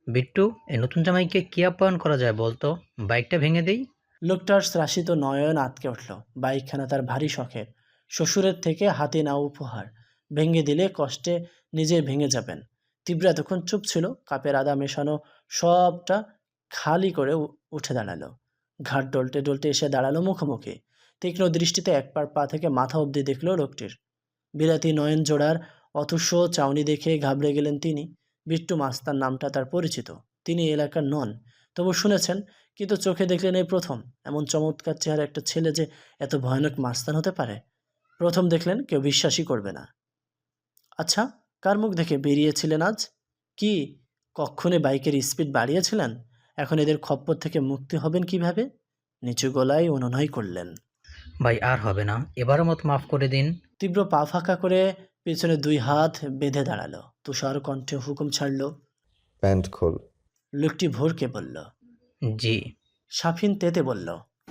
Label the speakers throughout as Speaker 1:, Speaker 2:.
Speaker 1: বিট্টু, এই নতুন জামাইকে কি আপ্যায়ন করা যায় বলতো? বাইকটা ভেঙে দেই।
Speaker 2: লোকটার শ্রাসিত নয়ন আঁতকে উঠল। বাইকখানা তার ভারী শখের, শ্বশুরের থেকে হাতে নেওয়া উপহার। ভেঙে দিলে কষ্টে নিজে ভেঙে যাবেন। তীব্র এতক্ষণ চুপ ছিল, কাপের আদা মেশানো সবটা খালি করে উঠে দাঁড়ালো। ঘাট ডলতে ডলতে এসে দাঁড়ালো মুখোমুখি। তীক্ষ্ণ দৃষ্টিতে এক পা থেকে মাথা অবধি দেখল লোকটির। বিলাতি নয়ন জোড়ার অথুষ্য চাউনি দেখে ঘাবড়ে গেলেন তিনি। বিট্টু মাস্তার নামটা তার পরিচিত, তিনি এলাকার নন, তবু শুনেছেন, কিন্তু চোখে দেখলেন এই প্রথম। এমন চমৎকার চেহারা একটা ছেলে যে এত ভয়ানক মাস্তান হতে পারে, প্রথম দেখলেন কেউ বিশ্বাসই করবে না। আচ্ছা, কার মুখ দেখে বেরিয়েছিলেন আজ? কি কক্ষণে বাইকের স্পিড বাড়িয়েছিলেন? এখন এদের খপ্পর থেকে মুক্তি হবেন কিভাবে? নিচু গলায় অনুনয় করলেন।
Speaker 1: ভাই, আর হবে না, এবারের মতো মাফ করে দিন।
Speaker 2: তীব্র পা ফাঁকা করে পেছনে দুই হাত বেঁধে দাঁড়ালো, তুষার কণ্ঠে হুকুম ছাড়ল।
Speaker 3: প্যান্ট খোল।
Speaker 2: লোকটি ভোরকে বলল।
Speaker 1: জি।
Speaker 2: সাফিন তেতে বলল।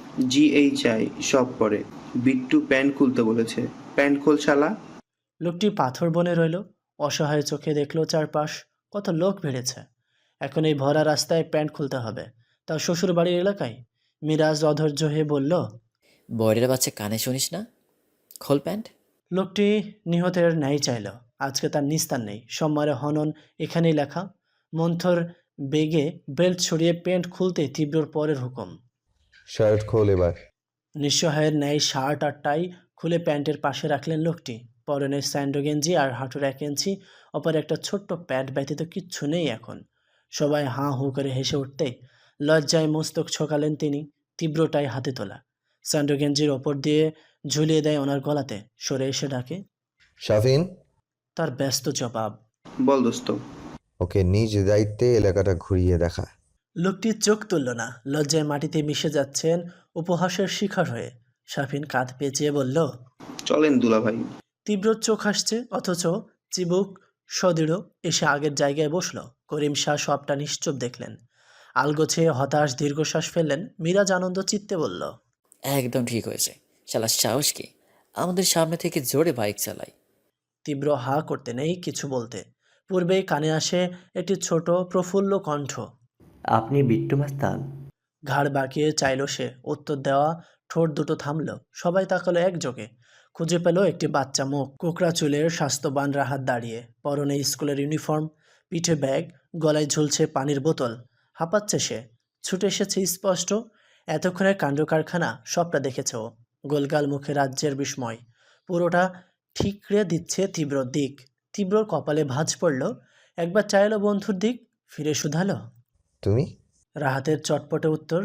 Speaker 4: GHI সব পরে। বিট্টু প্যান্ট খুলতে বলেছে। প্যান্ট খোল শালা।
Speaker 2: লোকটি পাথর বনে রইল, অসহায় চোখে দেখল চারপাশ, কত লোক ভিড়েছে। এখন এই ভরা রাস্তায় প্যান্ট খুলতে হবে, তার শ্বশুর বাড়ির এলাকায়। মিরাজ অধৈর্য হয়ে বলল।
Speaker 5: বয়রের বাচ্চা কানে শুনিস না? খোল প্যান্ট।
Speaker 2: লোকটি নিহতের ন্যায় চাইল। আজকে তার নিস্তার নেই, সোমবারে হনন এখানেই লেখা। মন্থর বেগে বেল্ট ছড়িয়ে প্যান্ট খুলতে তীব্রর পরের হুকুম।
Speaker 3: শার্ট খোল এবার।
Speaker 2: নিঃসহায়ের ন্যায় শার্ট আর টাই খুলে প্যান্টের পাশে রাখলেন লোকটি। পরনে স্যান্ডো গেঞ্জি আর হাঁটুর 1 ইঞ্চি, অপর একটা ছোট্ট প্যাড ব্যতীত কিচ্ছু নেই এখন। সবাই হাঁ হু করে হেসে উঠতে লজ্জায় মস্তক ছোকালেন তিনি। তীব্রটাই হাতে তোলা স্যান্ডো গেঞ্জির ওপর দিয়ে ঝুলিয়ে দেয় ওনার গলাতে, সরে এসে ডাকে।
Speaker 3: শাফিন,
Speaker 2: তার ব্যস্ত জবাব।
Speaker 4: বল দোস্ত।
Speaker 3: ওকে নিজ দায়িত্বে এলাকাটা ঘুরিয়ে দেখা।
Speaker 2: লোকটি চোখ তুলল না, লজ্জায় মাটিতে মিশে যাচ্ছেন উপহাসের শিকার হয়ে। শাফিন কাঁধ পেঁচিয়ে বলল।
Speaker 4: চলেন দুলা ভাই।
Speaker 2: তীব্র চোখ আসছে, অথচ চিবুক সদৃঢ়। এসে আগের জায়গায় বসল। করিম শাহ সবটা নিশ্চুপ দেখলেন, আলগোছে হতাশ দীর্ঘশ্বাস ফেললেন। মিরাজ আনন্দ চিত্তে বলল।
Speaker 5: একদম ঠিক হয়েছে। শালা সাহস কি আমাদের সামনে থেকে জোরে বাইক চালায়।
Speaker 2: তীব্র হা করতে নেই কিছু বলতে, পূর্বেই কানে আসে একটি ছোট প্রফুল্ল কণ্ঠ।
Speaker 6: আপনি বিট্টু মাস্তান?
Speaker 2: ঘাড় বাঁকিয়ে চাইল সে, উত্তর দেওয়া ঠোঁট দুটো থামল। সবাই তাকালো একযোগে। খুঁজে পেল একটি বাচ্চা মুখ, কোকড়া চুলের স্বাস্থ্যবান রাহাত দাঁড়িয়ে, পরনে স্কুলের ইউনিফর্ম, পিঠে ব্যাগ, গলায় ঝুলছে পানির বোতল। হাঁপাচ্ছে সে, ছুটে এসেছে স্পষ্ট। এতক্ষণের কাণ্ড কারখানা সবটা দেখেছে ও। গোলগাল মুখে রাজ্যের বিস্ময়, পুরোটা ঠিকরে দিচ্ছে তীব্রর দিক। তীব্রর কপালে ভাঁজ পড়ল, একবার চাইলো বন্ধুর দিক, ফিরে শুধালো।
Speaker 3: তুমি?
Speaker 2: রাহাতের চটপটে উত্তর,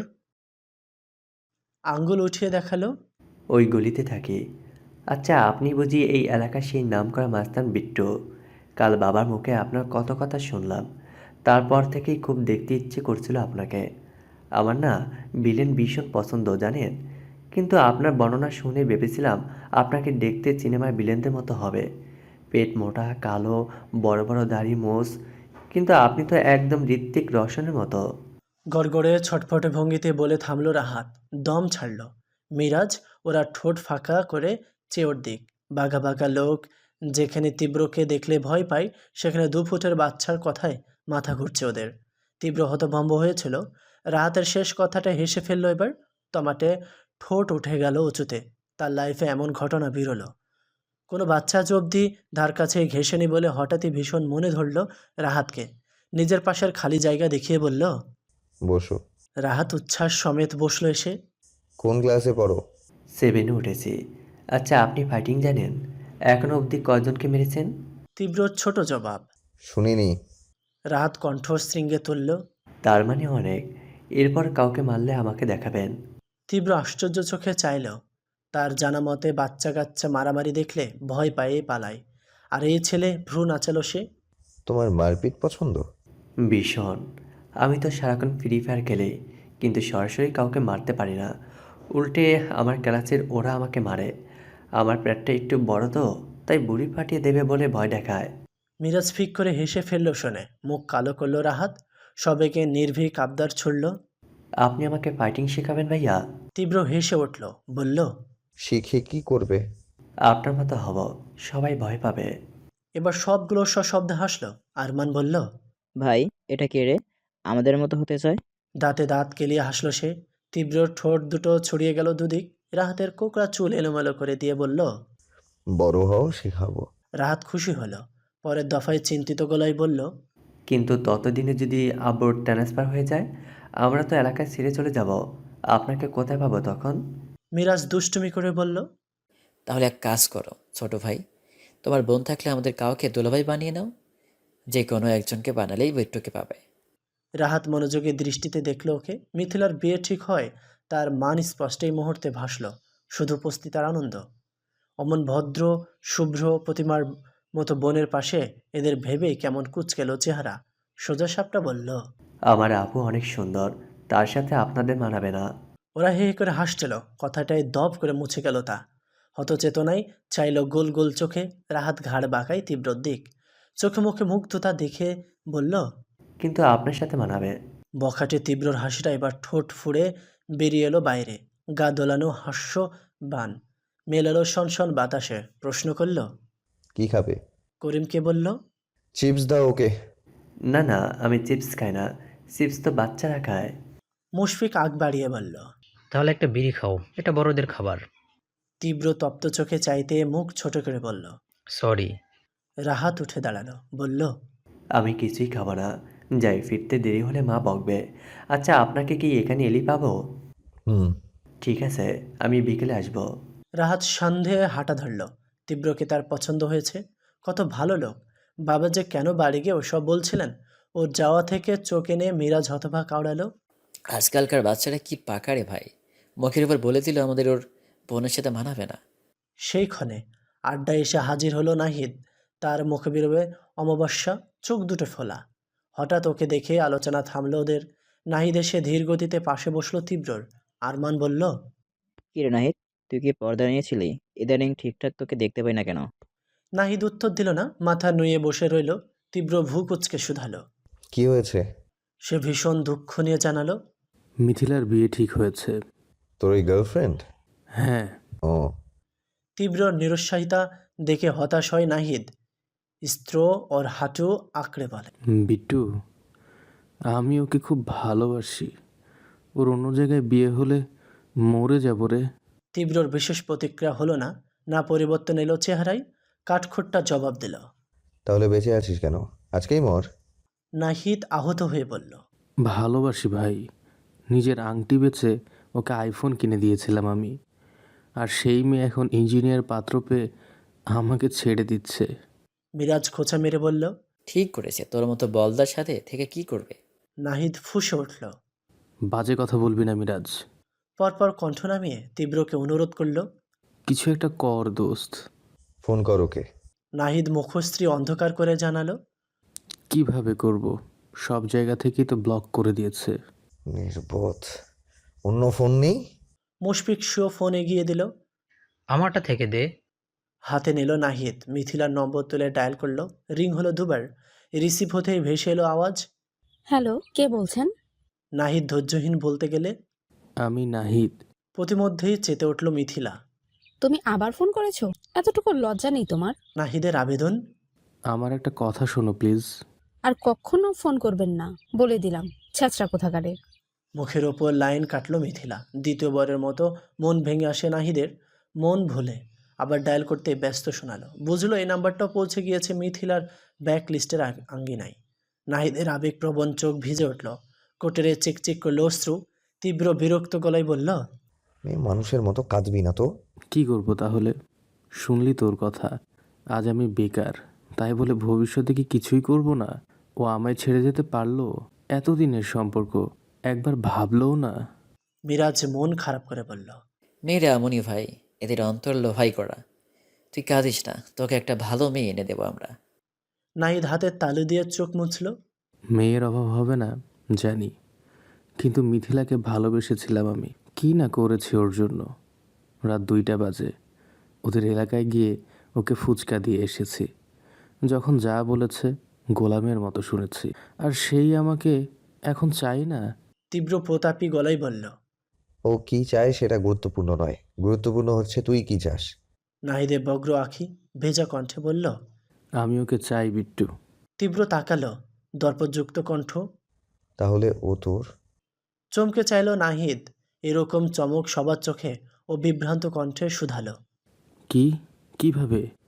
Speaker 2: আঙ্গুল উঠিয়ে দেখালো।
Speaker 6: ওই গলিতে থাকি। আচ্ছা, আপনি বুঝি এই এলাকার সেই নামকরা মাস্তান বিট্টু? কাল বাবার মুখে আপনার কত কথা শুনলাম, তারপর থেকেই খুব দেখতে ইচ্ছে করছিল আপনাকে। আমার না ভিলেন ভীষণ পছন্দ জানেন, কিন্তু আপনার বর্ণনা শুনে ভেবেছিলাম আপনাকে দেখতে সিনেমায় ভিলেনদের মতো হবে। পেট মোটা, কালো, বড় বড় দাড়ি, মোষ, কিন্তু আপনি তো একদম ঋত্বিক রোশনের মতো।
Speaker 2: গড়গড়ে ছটফটে ভঙ্গিতে বলে থামল রাহাত, দম ছাড়ল। মিরাজ ওরা ঠোঁট ফাঁকা করে চেয়ে ওর দিক। বাঘা বাঘা লোক যেখানে তীব্রকে দেখলে ভয় পায়, সেখানে 2 ফুটের বাচ্চার কথায় মাথা ঘুরছে ওদের। তীব্র হতভম্ব হয়েছিল। রাহাতের শেষ কথাটা হেসে ফেলল এবার। টমাটে ঠোঁট উঠে গেল উঁচুতে। তার লাইফে এমন ঘটনা বিরল। কোনো বাচ্চা আজ অবধি ধার কাছে ঘেঁষেনি বলে হঠাৎই ভীষণ মনে ধরল রাহাতকে। নিজের পাশের খালি জায়গা দেখিয়ে বলল।
Speaker 3: বসো।
Speaker 2: রাহাত উচ্ছ্বাস সমেত বসল এসে।
Speaker 3: কোন ক্লাসে পড়ো?
Speaker 6: 7-এ উঠেছি। আচ্ছা, আপনি ফাইটিং জানেন? এখনো অবধি কয়জনকে মেরেছেন?
Speaker 2: তীব্র ছোট জবাব।
Speaker 3: শুনিনি।
Speaker 2: রাহাত কণ্ঠ শৃঙ্গে তুলল।
Speaker 6: তার মানে অনেক। এরপর কাউকে মারলে আমাকে দেখাবেন।
Speaker 2: তীব্র আশ্চর্য চোখে চাইল। তার জানা মতে বাচ্চা কাচ্চা মারামারি দেখলে ভয় পায়ে পালায়, আর এই ছেলে ভ্রু নাচালো সে।
Speaker 3: তোমার মারপিট পছন্দ?
Speaker 6: ভীষণ। আমি তো সারাক্ষণ ফ্রি ফায়ার খেলি, কিন্তু সরাসরি কাউকে মারতে পারি না। উল্টে আমার ক্লাসের ওরা আমাকে মারে। আমার পেটটা একটু বড় তো, তাই বুড়ি ফাটিয়ে দেবে বলে ভয় দেখায়।
Speaker 2: মিরাজ ফিক করে হেসে ফেলল শুনে, মুখ কালো করল রাহাত। সবেকে নির্ভীক আবদার ছুড়ল।
Speaker 6: আপনি আমাকে ফাইটিং শেখাবেন ভাইয়া?
Speaker 2: তীব্র হেসে উঠল, বলল।
Speaker 3: শিখে কি করবে?
Speaker 6: আপনার মতো হব, সবাই ভয় পাবে।
Speaker 2: এবার সবগুলো সশব্দে হাসল। আরমান বলল।
Speaker 7: ভাই, এটা কে রে? আমাদের মতো হতে চায়?
Speaker 2: দাঁতে দাঁত কেলিয়ে হাসল সে। তীব্র ঠোঁট দুটো ছড়িয়ে গেল দুদিক। রাহাতের কোকড়া চুল এলোমেলো করে দিয়ে বলল।
Speaker 3: বড় হও, শেখাবো।
Speaker 2: রাহাত খুশি হলো। পরের দফায় চিন্তিত গলায় বলল।
Speaker 6: কিন্তু ততদিনে যদি আব্বুর ট্রান্সফার হয়ে যায়, আমরা তো এলাকায় ছেড়ে চলে যাব। আপনাকে কোথায় পাবো তখন?
Speaker 2: মিরাজ দুষ্টুমি করে বলল।
Speaker 5: তাহলে এক কাজ করো ছোট ভাই, তোমার বোন থাকলে আমাদের কাউকে দুলাভাই বানিয়ে নাও। যে কোনো একজনকে বানালেই বিট্টুকে পাবে।
Speaker 2: রাহাত মনোযোগী দৃষ্টিতে দেখল ওকে। মিথিলার বিয়ে ঠিক হয় তার মান স্পষ্ট এই মুহূর্তে ভাসল। শুধু উপস্থিতার আনন্দ। অমন ভদ্র শুভ্র প্রতিমার মতো বোনের পাশে এদের ভেবেই কেমন কুঁচকেল চেহারা। সোজা সাপটা বলল।
Speaker 6: আমার আপু অনেক সুন্দর, তার সাথে আপনাদের মানাবে না।
Speaker 2: ওরা হে হে করে হাসছিল। কথাটায় দপ করে মুছে গেল তা। হতচেতনায় চাইল গোল গোল চোখে। রাহাত ঘাড় বাঁকায় তীব্র দিক। চোখে মুখে মুগ্ধতা দেখে বলল।
Speaker 6: কিন্তু আপনার সাথে মানাবে।
Speaker 2: বখাটে তীব্রর হাসিটা এবার ঠোঁট ফুঁড়ে বেরিয়ে এলো বাইরে। গা দোলানো হাস্য বান মেলালো সনসন বাতাসে। প্রশ্ন করল।
Speaker 3: কি খাবে?
Speaker 2: করিমকে বলল।
Speaker 3: চিপস দাও ওকে।
Speaker 6: না না, আমি চিপস খাই না। চিপস তো বাচ্চারা খায়।
Speaker 2: মুশফিক আগ বাড়িয়ে বলল।
Speaker 1: তাহলে একটা বিড়ি খাও, এটা বড়দের খাবার।
Speaker 2: তীব্র তপ্ত চোখে চাইতে মুখ ছোট করে বলল।
Speaker 1: সরি।
Speaker 2: রাহাত উঠে দাঁড়ালো। বলল।
Speaker 6: আমি কিছুই খাবো না। যাই, ফিরতে দেরি হলে মা বকবে। আচ্ছা, আপনাকে কি এখানে এলি পাবো?
Speaker 3: হুম।
Speaker 6: ঠিক আছে, আমি বিকেলে আসবো।
Speaker 2: রাহাত সন্দেহে হাঁটা ধরল। তীব্রকে তার পছন্দ হয়েছে। কত ভালো লোক। বাবা যে কেন বাড়ি গিয়ে ওসব বলছিলেন। ওর যাওয়া থেকে চোখ এনে মিরাজ হতভা কাউড়ালো।
Speaker 5: আজকালকার বাচ্চারা কি পাকা রে ভাই, মুখের উপর বলে দিল আমাদের ওর বোনের সাথে মানাবে না।
Speaker 2: সেই ক্ষণে আড্ডায় এসে হাজির হলো নাহিদ। তার মুখে বেরোবে অমাবস্যা, চোখ দুটো ফোলা। হঠাৎ ওকে দেখে আলোচনা থামলো ওদের। নাহিদ এসে ধীর গতিতে পাশে বসলো তীব্রর। আরমান বলল।
Speaker 7: কি রে নাহিদ, তুই কি পর্দা নিয়েছিলি? ইদানিং ঠিকঠাক তোকে দেখতে পাই না কেন?
Speaker 2: নাহিদ উত্তর দিল না। মাথা নুয়ে বসে রইল। তীব্র ভূ কুচকে শুধালো।
Speaker 3: কি হয়েছে?
Speaker 2: সে ভীষণ দুঃখ নিয়ে জানালো।
Speaker 8: মিথিলার বিয়ে ঠিক হয়েছে।
Speaker 3: তোর ওই গার্লফ্রেন্ড?
Speaker 8: হ্যাঁ।
Speaker 3: ও।
Speaker 2: তীব্র নিরুৎসাহিতা দেখে হতাশ হয় নাহিদ। স্ত্র ওর হাঁটু আঁকড়ে বলে।
Speaker 8: বিট্টু, আমি ওকে খুব ভালোবাসি। ওর অন্য জায়গায় বিয়ে হলে মরে যাব রে।
Speaker 2: তীব্রর বিশেষ প্রতিক্রিয়া হলো না। না পরিবর্তন এলো চেহারায়। কাঠখোট্টা জবাব দিল।
Speaker 3: তাহলে বেঁচে আছিস কেন? আজকেই মর।
Speaker 2: নাহিদ আহত হয়ে বলল।
Speaker 8: ভালোবাসি ভাই। নিজের আংটি বেচে ওকে আইফোন কিনে দিয়েছিলাম আমি। আর সেই মেয়ে এখন ইঞ্জিনিয়ার পাত্র পেয়ে আমাকে ছেড়ে দিচ্ছে।
Speaker 2: মিরাজ খোঁচা মেরে বলল।
Speaker 5: ঠিক করেছে, তোর মতো বলদার সাথে থেকে কি করবে?
Speaker 2: নাহিদ ফুঁসে উঠল।
Speaker 8: বাজে কথা বলবি না মিরাজ।
Speaker 2: পরপর কণ্ঠ নামিয়ে তীব্রকে অনুরোধ করল।
Speaker 8: কিছু একটা কর দোস্ত।
Speaker 3: ফোন কর ওকে।
Speaker 2: নাহিদ মুখশ্রী অন্ধকার করে জানালো।
Speaker 8: কিভাবে করব? সব জায়গা থেকেই তো ব্লক করে দিয়েছে।
Speaker 3: নির্বোধ। অন্য ফোন নেই?
Speaker 2: মুশফিক শুয়ে ফোন এগিয়ে দিল।
Speaker 1: আমারটা থেকে দে।
Speaker 2: হাতে নিল নাহিদ। মিথিলার নম্বর তুলে ডায়াল করলো। রিং হলো দুবার। রিসিভ হতেই ভেসে এলো আওয়াজ।
Speaker 9: হ্যালো, কে বলছেন?
Speaker 2: নাহিদ ধৈর্যহীন বলতে গেলে।
Speaker 8: আমি নাহিদ।
Speaker 2: প্রতিমধ্যেই চেতে উঠল মিথিলা।
Speaker 9: তুমি আবার ফোন করেছো? এতটুকু লজ্জা নেই তোমার?
Speaker 2: নাহিদের আবেদন।
Speaker 8: আমার একটা কথা শোনো প্লিজ।
Speaker 9: আর কখনো ফোন করবেন না, বলে দিলাম। ছ্যাচরা কোথাকারে।
Speaker 2: মুখের ওপর লাইন কাটল মিথিলা। দ্বিতীয়বারের মতো মন ভেঙে আসে নাহিদের। মন ভুলে আবার ডায়াল করতে ব্যস্ত শোনালো। বুঝলো এই নাম্বারটাও পৌঁছে গিয়েছে মিথিলার ব্যাক লিস্টের আঙ্গিনায়। নাহিদের আবেগপ্রবণ চোখ ভিজে উঠল। কোটেরে চিকচিক করলো অশ্রু। তীব্র বিরক্ত গলায় বলল।
Speaker 3: মেয়ে মানুষের মতো কাঁদবি না তো।
Speaker 8: কি করব তাহলে? শুনলি তোর কথা। আজ আমি বেকার, তাই বলে ভবিষ্যতে কি কিছুই করব না? ও আমায় ছেড়ে যেতে পারলো? এতদিনের সম্পর্ক, একবার ভাবলও না।
Speaker 2: মিরাজ মন খারাপ করে বলল।
Speaker 5: মেয়েরা এমনই ভাই, এদের অন্তর লোভাই করা। তুই কাঁদিস না, তোকে একটা ভালো মেয়ে এনে দেবো আমরা।
Speaker 2: নাহিদ হাতের তালু দিয়ে চোখ মুছল।
Speaker 8: মেয়ের অভাব হবে না জানি, কিন্তু মিথিলাকে ভালোবেসেছিলাম আমি। কি না করেছি ওর জন্য। রাত 2টা বাজে ওদের এলাকায় গিয়ে ওকে ফুচকা দিয়ে এসেছি। যখন যা বলেছে গোলামের মতো শুনেছি। আর সেই আমাকে এখন চাই না।
Speaker 2: তীব্র প্রতাপী গলায় বলল।
Speaker 3: ও কি চায় সেটা গুরুত্বপূর্ণ নয়, গুরুত্বপূর্ণ হচ্ছে তুই কি চাস।
Speaker 2: নাহিদের বগ্র আঁখি ভেজা কণ্ঠে বলল।
Speaker 8: আমি ওকে চাই বিট্টু।
Speaker 2: তীব্র তাকালো। দর্পযুক্ত কণ্ঠ।
Speaker 3: তাহলে ও তোর?
Speaker 2: চমকে চাইল নাহিদ। এরকম চমক সবার চোখে ও বিভ্রান্ত কণ্ঠে শুধালো।
Speaker 8: কি? কিভাবে?